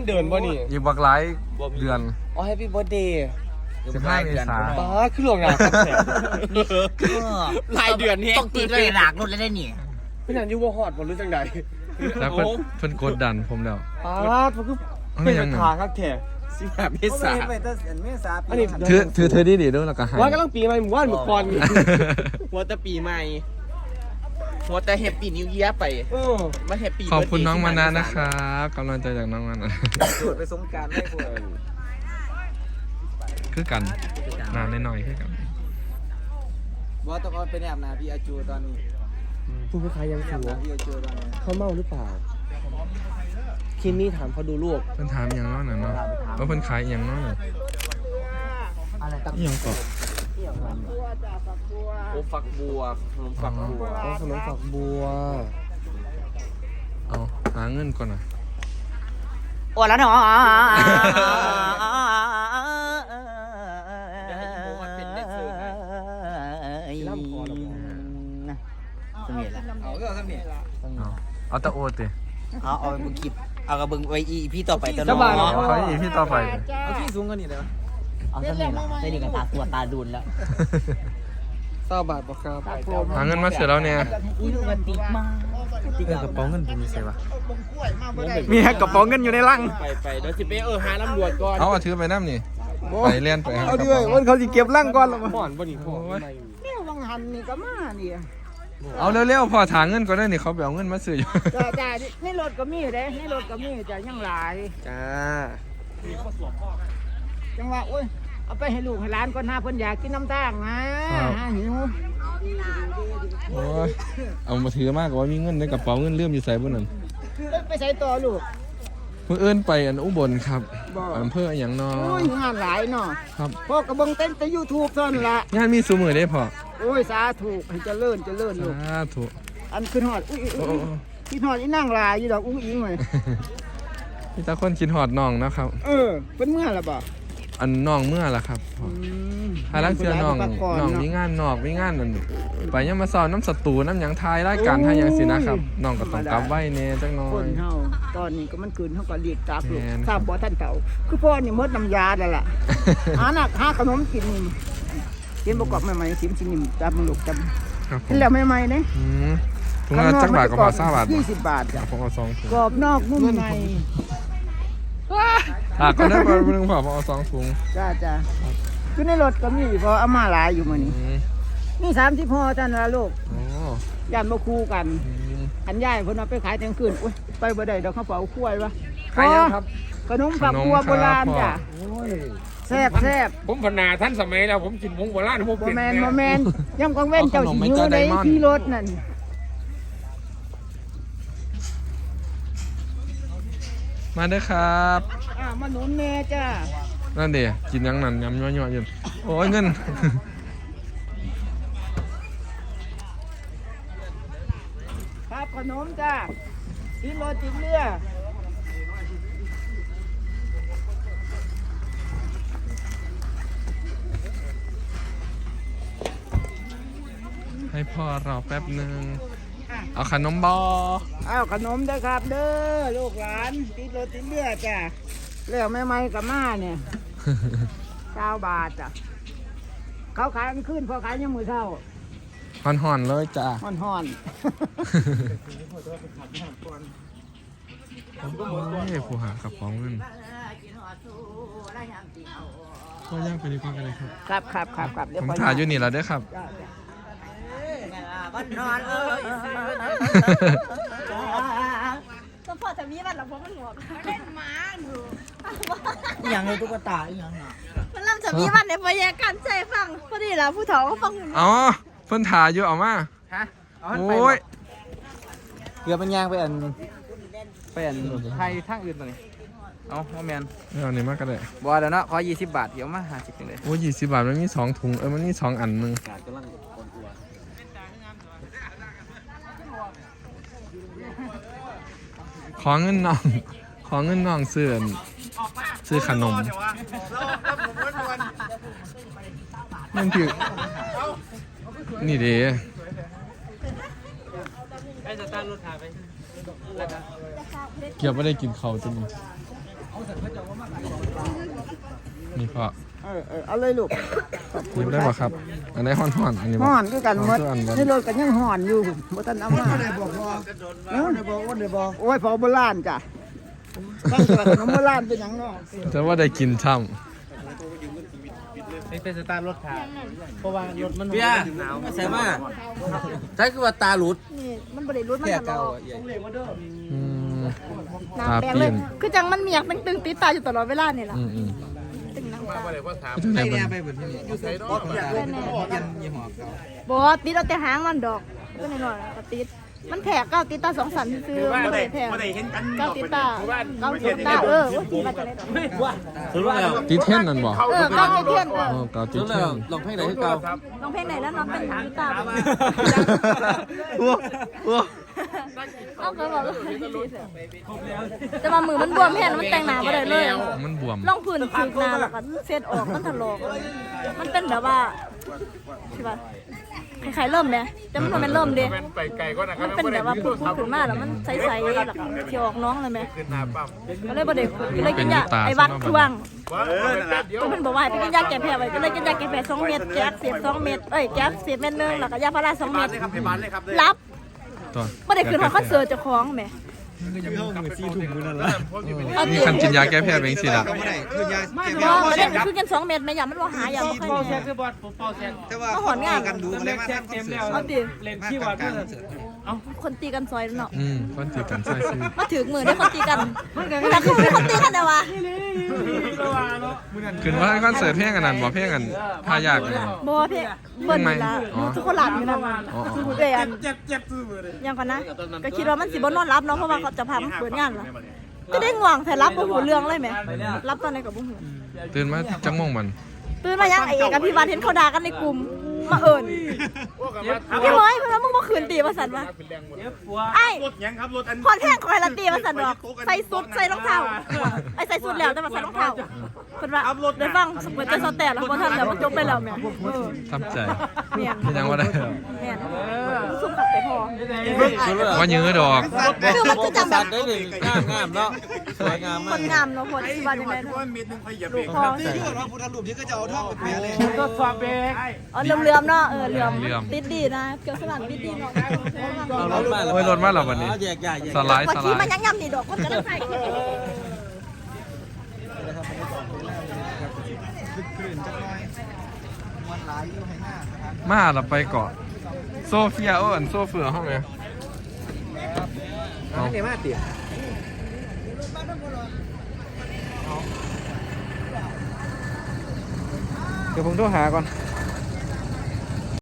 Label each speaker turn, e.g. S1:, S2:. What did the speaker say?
S1: เดินบ่นี่
S2: อีกบักหลายเดือน
S1: อ๋อแฮปปี้เบิร์ธเดย์
S2: 15 เมษายน
S1: ป้าขึ้นลงนะครับแขกรายเดือนนี่
S3: ต้องตีเลยหลากรถเลยได้นี่
S1: เป็นอย่างยูวอฮอดบ่รู้จังใด
S2: แล้วเพิ่นกดดันผมแล้ว
S1: ป้ามันคือเป็นทางครับแขก15 เมษายนอันนี้
S2: ถือดีๆด้วยแล้วก็ให้
S1: ว่ากำลังปีใหม่หมู่บ้านหมู่ก่อนหัวแต่ปีใหม่หัวแต่แฮปปี้นิวเยียร์ไปมาแฮปปี้
S2: ขอบคุณน้องมานะนะครับกำลังใจจากน้องมานะ
S1: ไปสงกรานต์ให้พวก
S2: คือกันนานหน่อยคือกัน
S3: ว่าต้องเอาไปแนบนาพี่อาจูตอนนี้
S1: ผู้ค้ายังถือว่า
S3: พี่อาจูตอนนี้
S1: เขาเมาหรือเปล่าคิมมี่ถามเขาดูลูก
S2: เพิ่นถามอย่างน้อยหน่อยเนาะว่าเพิ่นขายอย่างน้อย
S3: อะไรตั้ง
S2: อย่างก่อน
S1: โอ้ฝักบัวขนมฝักบัวขนมฝักบัว
S2: เอาหาเงินก่อนนะ
S3: โอ้แล้วเนาะ
S2: เอาตะโอติ
S3: เอาบึงคลิปเอากระบึงไว้อีพี่ต่อไปตลอด
S2: เขาอีพี่ต่อไป
S3: เอาพี่สูงกันนี่เลยวะเอาสักนิดละได้ดีกับตาตัวตาดุนแล้ว
S1: 20 บาทบ่ครับ
S2: หาเงินมาเสียแล้วเนี่ย
S3: อุ้ยดูกันติดมาก
S2: กระเป๋าเงินผมมีใส่ปะ
S1: มีกระเป๋าเงินอยู่ในลังไปเดี๋ยวสิไปหาตำรวจก่อน
S2: เอาถือไปน้ำนี่ไปเล่นไป
S1: เอาด้วยวันเขาสิเก็บลังก่อนแล้วบ่อนบ่นี่พ่อ
S3: เนี่ยวังหันนี่ก็มานี่
S2: เอาเร็วๆพอถางเงินก็ได้นี่เขาไปเอาเงินมาซื้ออยู่
S3: จ้าในรถก็มีเด้ในรถก็มีจ้ายังหลาย
S1: จ้า
S3: จังว่าโอ้ยเอาไปให้ลูกให้หลานก่อนหน้าเพิ่นอยากกินน้ำตาลนะหิว
S2: โอ้ยเอามาถือมากกว่ามีเงินในกระเป๋าเงินเลื่อมอยู่ใส่บนนั้น
S3: ไปใส่ต่อลูก
S2: เพื่อเอื้อนไปอุบลครับอำเภออย่างนอ
S3: โอ้ยงานหลายเนาะ
S2: ครับ
S3: พ่อกระบงเต้นแต่ YouTube เท่านั้นละ
S2: งานมีสูมือได้พอ
S3: โอ้ยสาธุให้เจริญลูก
S2: สาธุ
S3: อันขึ้นฮอดอุ้ยขึ้นฮอดอีนั่งลายอยู่ดอกอุ้งอิงเลย
S2: พี่ตาคนคิดฮอดน้องนะครับ
S3: เป็นเมื่อละบ่
S2: อันน้องเมื่อล่ะครับหาลังเสือน้องมีงานนอกมีงานนั่นไปยังมาสอนน้ำสตูน้ำหยังทายรายการทายยังสินะครับน้องก็ต้องกลับไว้เน่จังน้อย
S3: คนเฮาตอนนี้ก็มันคืนเฮาก็เรียกตาลูกทราบบ่ท่านเฒ่าคือพ่อนี่มดน้ำยาแล้วล่ะหาขนมกินประกอบใหม่ๆสิมจับมึงลูกจับกินแล้วใหม่ๆเด้
S2: ถุงละจักบาทก็พอ20 บาท
S3: 20 บาทจ้ะ
S2: พอ2ถุง
S3: กรอบนอกนุ่มใน
S2: ก็ได้มา1พอ2ถุง
S3: จ้าคือในรถก็มีพอเอามาหลายอยู่มื้อนี้นี่30ห่อจ้ะนะลูกย่านบ่คู่กันอันยายเพิ่นเอาไปขายเที่ยงคืนอุ๊ยไปบ่ได้ดอกเขาเป่าคุ้ยวะ
S1: ขายยังครับ
S3: ขนมฝักบัวโบราณจ้ะแซ่บ
S1: ผมพนาท่านสมัยแล้วผมกินผงโบราณผมเป็น
S3: บ่แม่นย่ำกองเว้นเจ้าสิอยู่ในที่รถนั่น
S2: มาเด้อครับ
S3: มาหนุนแม่จ้า
S2: นั่นเดี๋ยวกินยังนั่นยำยั่วๆอยู่โอ้ยเงิน
S3: ครับขนมจ้าที่รถติดเรือ
S2: ให้พ่อรอแป๊บนึงเอาขนมบอ
S3: เอาขนมได้ครับเด้อลูกหลานติดรถติดเรือจ้ะแล้วแม่ไม้กับม่าเนี่ย9 บาทจ้ะเขาขายขึ้นพอขายยังมือเท่า
S2: ห่อนๆเลยจ้ะ
S3: ห่อน
S2: ผู้หากระป๋องเงินก็ย่างไปดีกว่ากันเลย
S3: ครับ
S2: ผมถ่ายอยู่นี่แล้วเด้อครับ
S3: บ้านนอน
S4: สปอร์ตจะมีบ้านหรอเพราะมันหลวกเล่นม้าหนู
S3: อย่างเลยตุ๊กตาอย่างน่ะ
S4: มันเริ่มจะมีบ้านในพยาการใจฟังพอดีแล้วผู้ถอก็ฟังอยู่
S2: อ๋อเพิ่นถ่ายอยู่เอามาโอ้ย
S1: เกือบเป็นยางไปอันไทยทางอื่นตัวนี้เอาแมน
S2: เอานี่มากก็ได้
S1: บัวเดี๋ยวนะขอ20 บาทเดี๋ยวมา50เลย
S2: โอ้20 บาทมันมี2 ถุงมันมี2 อันนึงขอเงินน้องซื้อขนมนั่นคือนี่เด้เกี่ยวไม่ได้กินข้าวจริงนี่พอ
S3: เอาเลยลูก
S2: หยิบได้ป่ะครับ อันไหนห่อนๆอันนี้บ่
S3: ห่อนคือกันหมด
S2: ห่อนๆบ่
S3: ในรถกันยังห่อนอยู่บ่ทันเอามาได้บอกพ่อได้บอกโอ้ยพอโบราณจ้ะตั้งแต่ขนมโบราณเป็นหยังเนาะ
S2: แต่ว่าได้กินช่
S1: นี่เป็นสตาร์รถขาเพราะว่ารถมันเบี้ยหนาวไม่ใช่มาใช่คือว่าตาหลุด
S4: นี่มันบริรุดมันตลอด
S2: ำ
S4: หน้า
S2: ตา
S4: แปลง
S2: เป
S4: เล
S2: ลี่
S4: ย
S2: ยน
S4: คือจังมันเมียกตึงๆติดตาอยู่ตลอดเวลานี่แหละ
S2: อืม
S4: ตึงน้ำตา
S2: จังได๋เบิ่ง
S4: บอติดเอาแต่หางมันดอกก็หน่อยๆก็ติดมันแผลก้าวติดตา2 สันซื้อไม่ได้แผลก้าวติดตาก้าวติดตาว่าตีมาจากไหนดอก
S2: ติดเท่นนั่นบ่
S4: ก้าวติดเทียน
S2: อ๋อเกาติดเท่น
S1: ลองเพลงไหนให้เก่า
S4: น้องเพลงไหนแล้วน้องเป็นติดตาเอาก็บอกว่าจะมามือมันบวมแห้งมันแต่งหนาไปเลยเลย
S2: มันบวม
S4: ลองพื้นถึกหนาแล้วก็เซ็ตออกมันถลอกมันเป็นแบบว่าใช่ป่ะใครเริ่มไหมแต่มันเป็นเริ่มดิมันเป็นแบบว่าพูดขึ้นมาแล้วมันใสๆแล้วก็เที่ยวออกน้องเลยไหมก็เลยบ่ได้คุยก็เลยกินยาไอ้วัดทวงก็มันบอกว่าให้ไปกินยาแก้แพ้ไว้ก็เลยกินยาแก้แพ้2 เม็ดแก๊สเสียบ2 เม็ดแก๊สเสียบเม็ดนึงแล้วก็ยาพารา2 เม็ดรับ
S2: ตัว
S4: บ่ได้ขึ้นหอคอนเสิร์ตเจ้าของแหม
S2: นี่คันกินยาแก้แพ้เป็นจังซี่ล่ะ
S4: บ่ได้คือกัน2 เม็ดแม่ยามันบ่หายาบ่ค่อยมีก็หอนงานเอาดิคนตีกันซอยเนาะ
S2: คนตีกันใส่ซื้อ
S4: มาถึงมือได้คนตีกันแต่คือมีคนตีกันแต่ว่า
S2: ขึ้นว่าคอนเสิร์ตเพลงอันนั้นบ่เพลงอันพายากอันนั้น
S4: บ่เพะเบิ่นนี่ล่ะทุกคนหลับอยู่นั่น
S2: อ๋อ
S4: เอ้ยอันยังก่อนนะก็คิดว่ามันสิบ่นอนรับเนาะเพราะว่าเขาจะพามันเปิดงานล่ะก็ได้ง่วงแต่รับบ่หูเรื่องเลยแหมรับตอนไหนก็บ่หู
S2: ตื่นมาจังโมงมัน
S4: ตื่นมายังไอ้เอกกับพี่บานเห็นเขาด่ากันในกลุ่มมาเอิญพี่บอยเพื่อนมึงมาคืนตีมาสั่นวะไอ้พอดแห้งคอยละตีมาสั่นดอกใส่สุดใส่รองเท้าไอ้ใส่สุดแล้วแต่มาใส่รองเท้าคนว่าได้ฟังเหมือนจะสแตนแล้วพอทันแล้วมันจบไปแล้วแม่
S2: ทำใจ
S4: เมีย
S2: ยังว่าได้
S4: แม่สุดขับไปพอ
S2: ว่ายื้อดอก
S4: คือมันจะจำแบบ
S1: ได้หนึ่งงามเนาะสวยงาม
S4: ค
S1: มาก
S4: นงามเนาะคนที่บ้านยังไงลูกพ่ออ๋อเหลื่อมๆเนาะเหลื่อมติดดีนะเกี่ยวสลัดติดดีเนาะ
S1: เอารถมา
S2: โอ้ยรถมาแล้ววันนี้
S1: แยกใหญ่
S2: สไลด์
S4: พอ
S2: สไล
S4: ที่มัน
S2: ด์
S4: ยังยำนี่ดอกคนก็ได้ใส่
S2: มาเราไปเกาะโซเฟียอันโซเฟือห้องไหมเอา
S1: เนี่ยมาติ
S5: เดี๋ยวผมโทรหาก่อน
S2: เ